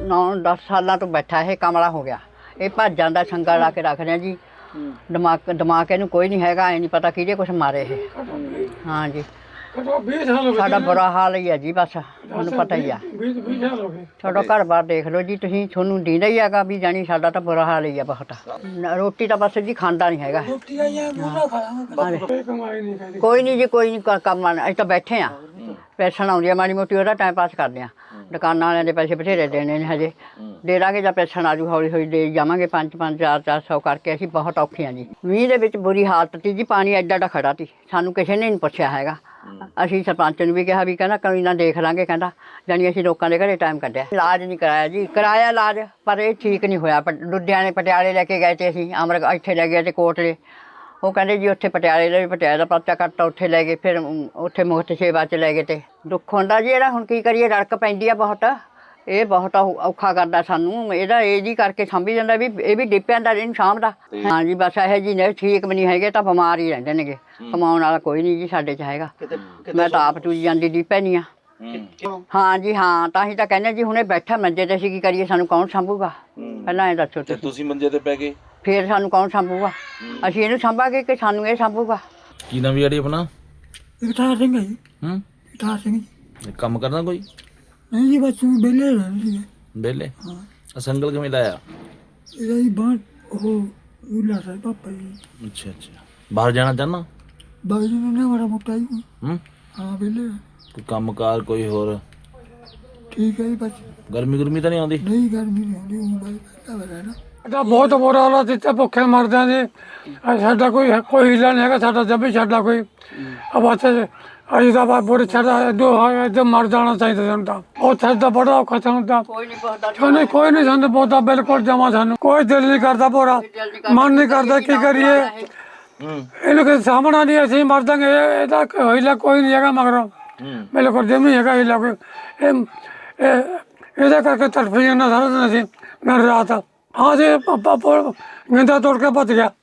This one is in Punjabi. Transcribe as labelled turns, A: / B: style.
A: 9-10 ਸਾਲਾਂ ਤੋਂ ਬੈਠਾ ਇਹ ਕਮਲਾ ਹੋ ਗਿਆ। ਇਹ ਭੱਜ ਜਾਂਦਾ ਸੰਗਲ ਲਾ ਕੇ ਰੱਖਦੇ ਜੀ। ਦਿਮਾਗ ਇਹਨੂੰ ਕੋਈ ਨਹੀਂ ਹੈਗਾ। ਐ ਨਹੀਂ ਪਤਾ ਕਿਹਦੇ ਕੁਛ ਮਾਰੇ ਇਹ। ਹਾਂ ਜੀ ਸਾਡਾ ਬੁਰਾ ਹਾਲ ਹੀ ਹੈ ਜੀ। ਬਸ ਤੁਹਾਨੂੰ ਪਤਾ ਹੀ ਆ। ਤੁਹਾਡਾ ਘਰ-ਬਾਰ ਦੇਖ ਲਓ ਜੀ ਤੁਸੀਂ। ਤੁਹਾਨੂੰ ਦੀਂਦਾ ਹੀ ਹੈਗਾ ਵੀ ਜਾਣੀ ਸਾਡਾ ਤਾਂ ਬੁਰਾ ਹਾਲ ਹੀ ਆ ਬਹੁਤ। ਰੋਟੀ ਤਾਂ ਬਸ ਜੀ ਖਾਂਦਾ ਨਹੀਂ ਹੈਗਾ। ਕੋਈ ਨਹੀਂ ਜੀ ਕੋਈ ਨਹੀਂ ਕੰਮ ਅਸੀਂ ਤਾਂ ਬੈਠੇ ਹਾਂ। ਪੈਨਸ਼ਨ ਆਉਂਦੀ ਆ ਮਾੜੀ ਮੋਟੀ ਉਹਦਾ ਟਾਈਮ ਪਾਸ ਕਰਦੇ ਹਾਂ। ਦੁਕਾਨਾਂ ਵਾਲਿਆਂ ਦੇ ਪੈਸੇ ਬਥੇਰੇ ਦੇਣੇ ਨੇ ਹਜੇ ਦੇ ਦਾਂਗੇ ਜਾਂ ਪੈਨਸ਼ਨ ਆਜੂ ਹੌਲੀ ਹੌਲੀ ਦੇ ਜਾਵਾਂਗੇ। 5-5 400 ਕਰਕੇ ਅਸੀਂ ਬਹੁਤ ਔਖੇ ਹਾਂ ਜੀ। ਮੀਂਹ ਦੇ ਵਿੱਚ ਬੁਰੀ ਹਾਲਤ ਸੀ ਜੀ। ਪਾਣੀ ਐਡਾ ਐਡਾ ਖੜਾ ਸੀ। ਸਾਨੂੰ ਕਿਸੇ ਨੇ ਨਹੀਂ ਪੁੱਛਿਆ ਹੈਗਾ। ਅਸੀਂ ਸਰਪੰਚ ਨੂੰ ਵੀ ਕਿਹਾ ਵੀ ਕਹਿੰਦਾ ਕੋਈ ਨਾ ਦੇਖ ਲਾਂਗੇ। ਕਹਿੰਦਾ ਜਾਣੀ ਅਸੀਂ ਲੋਕਾਂ ਦੇ ਘਰੇ ਟਾਈਮ ਕੱਢਿਆ। ਇਲਾਜ ਨਹੀਂ ਕਰਾਇਆ ਜੀ। ਕਰਾਇਆ ਇਲਾਜ ਪਰ ਇਹ ਠੀਕ ਨਹੀਂ ਹੋਇਆ। ਲੁਧਿਆਣੇ ਪਟਿਆਲੇ ਲੈ ਕੇ ਗਏ ਤੇ ਅਸੀਂ ਇੱਥੇ ਲੈ ਗਏ ਤੇ ਕੋਟਲੇ। ਉਹ ਕਹਿੰਦੇ ਜੀ ਉੱਥੇ ਪਟਿਆਲੇ ਦਾ ਪਰਚਾ ਕੱਟਤਾ ਉੱਥੇ ਲੈ ਗਏ। ਫਿਰ ਉੱਥੇ ਮੁਫਤ ਸੇਵਾ 'ਚ ਲੈ ਗਏ ਤੇ ਦੁੱਖ ਹੁੰਦਾ ਜੀ। ਇਹਦਾ ਹੁਣ ਕੀ ਕਰੀਏ। ਰੜਕ ਪੈਂਦੀ ਆ ਬਹੁਤ। ਇਹ ਬਹੁਤ ਔਖਾ ਕਰਦਾ ਸਾਨੂੰ। ਇਹਦੀ ਕਰਕੇ ਸਾਂਭੀ ਜਾਂਦਾ ਵੀ ਇਹ ਵੀ ਡਿੱਪਿਆਂ ਦਾ ਇਹਨੂੰ ਸਾਂਭਦਾ। ਹਾਂ ਜੀ ਬਸ ਇਹੋ ਜੀ ਨੇ ਠੀਕ ਵੀ ਨਹੀਂ ਹੈਗੇ ਤਾਂ ਬਿਮਾਰ ਹੀ ਰਹਿੰਦੇ ਨੇਗੇ। ਕਮਾਉਣ ਵਾਲਾ ਕੋਈ ਨਹੀਂ ਜੀ ਸਾਡੇ 'ਚ ਹੈਗਾ। ਮੈਂ ਤਾਂ ਆਪ ਚੂਜੀ ਜਾਂਦੀ ਡਿੱਪੇ ਨਹੀਂ ਆ। ਹਾਂ ਜੀ ਹਾਂ ਤਾਂ ਹੀ ਤਾਂ ਕਹਿੰਦੇ ਜੀ ਹੁਣੇ ਬੈਠਾ ਮੰਜੇ ਤੇ ਅਸੀਂ ਕੀ ਕਰੀਏ। ਸਾਨੂੰ ਕੌਣ ਸਾਂਭੂਗਾ ਪਹਿਲਾਂ ਇਹ ਦੱਸੋ
B: ਤੁਸੀਂ ਮੰਜੇ ਤੇ ਪੈ ਗਏ
A: ਫਿਰ ਸਾਨੂੰ ਕੌਣ ਸਾਂਭੂਗਾ। ਅਸੀਂ ਇਹਨੂੰ ਸਾਂਭਾਂਗੇ ਕਿ ਸਾਨੂੰ ਇਹ ਸਾਂਭੂਗਾ।
B: ਕੀ ਨਾਮ ਯਾਰੀ ਆਪਣਾ?
C: ਜਗਤਾਰ ਸਿੰਘ ਹੈ ਜੀ। ਜਗਤਾਰ ਸਿੰਘ ਜੀ।
B: ਕੰਮ ਕਰਨਾ ਕੋਈ?
C: ਨਹੀਂ ਜੀ ਬਸ ਵਿਹਲੇ ਰਹਿੰਦੇ ਸੀਗੇ।
B: ਵਿਹਲੇ? ਸੰਗਲ ਕਿਵੇਂ ਲਾਇਆ?
C: ਇਹਦਾ ਜੀ ਬਾਹਰ ਉਹ ਉਲਾ ਸਾਹਿਬ ਪਾਪਾ ਜੀ।
B: ਅੱਛਾ ਬਾਹਰ ਜਾਣਾ ਚਾਹੁੰਦਾ?
C: ਬਾਹਰ ਜੀ ਨੇ ਬੜਾ ਮੋਟਾ ਜੀ। ਹਾਂ ਵਿਹਲੇ
B: ਕੋਈ ਕੰਮਕਾਰ ਕੋਈ ਹੋਰ?
C: ਠੀਕ ਹੈ ਜੀ ਬਸ।
B: ਗਰਮੀ ਤਾਂ ਨਹੀਂ ਆਉਂਦੀ?
C: ਨਹੀਂ ਗਰਮੀ ਨਹੀਂ ਆਉਂਦੀ। ਉਹ ਬਾਈ ਰਹਿਣਾ
D: ਸਾਡਾ ਬਹੁਤ ਬੁਰਾ ਹਾਲ ਜਿੱਥੇ ਭੁੱਖੇ ਮਰਦੇ ਆ ਜੀ। ਸਾਡਾ ਕੋਈ ਹੀਲਾ ਨਹੀਂ ਹੈਗਾ। ਸਾਡਾ ਜੱਬੀ ਸਾਡਾ ਕੋਈ ਬਸ ਅਸੀਂ ਤਾਂ ਬੁਰੇ ਇੱਧਰ ਮਰ ਜਾਣਾ ਚਾਹੀਦਾ ਸਾਨੂੰ ਤਾਂ। ਉੱਥੇ ਤਾਂ ਬੜਾ ਔਖਾ ਸਾਨੂੰ ਤਾਂ। ਕੋਈ ਨਹੀਂ ਸਾਨੂੰ ਬਹੁਤਾ ਬਿਲਕੁਲ ਜਮਾ। ਸਾਨੂੰ ਕੋਈ ਦਿਲ ਨਹੀਂ ਕਰਦਾ। ਪੂਰਾ ਮਨ ਨਹੀਂ ਕਰਦਾ। ਕੀ ਕਰੀਏ ਇਹਨੂੰ ਕਿਸੇ ਸਾਹਮਣਾ ਨਹੀਂ। ਅਸੀਂ ਮਰ ਜਾਂਗੇ। ਇਹਦਾ ਹੀਲਾ ਕੋਈ ਨਹੀਂ ਹੈਗਾ ਮਗਰੋਂ। ਬਿਲਕੁਲ ਜਮੀ ਹੈਗਾ ਹੀਲਾ ਕੋਈ। ਇਹਦੇ ਕਰਕੇ ਤੜਫੀ ਜਾਂਦਾ ਸਾਰਾ ਦਿਨ ਅਸੀਂ। ਮੈਂ ਰਾਤ ਹਾਂ ਜੀ ਗੰਦਾ ਤੋੜ ਕੇ ਭੱਜ ਗਿਆ।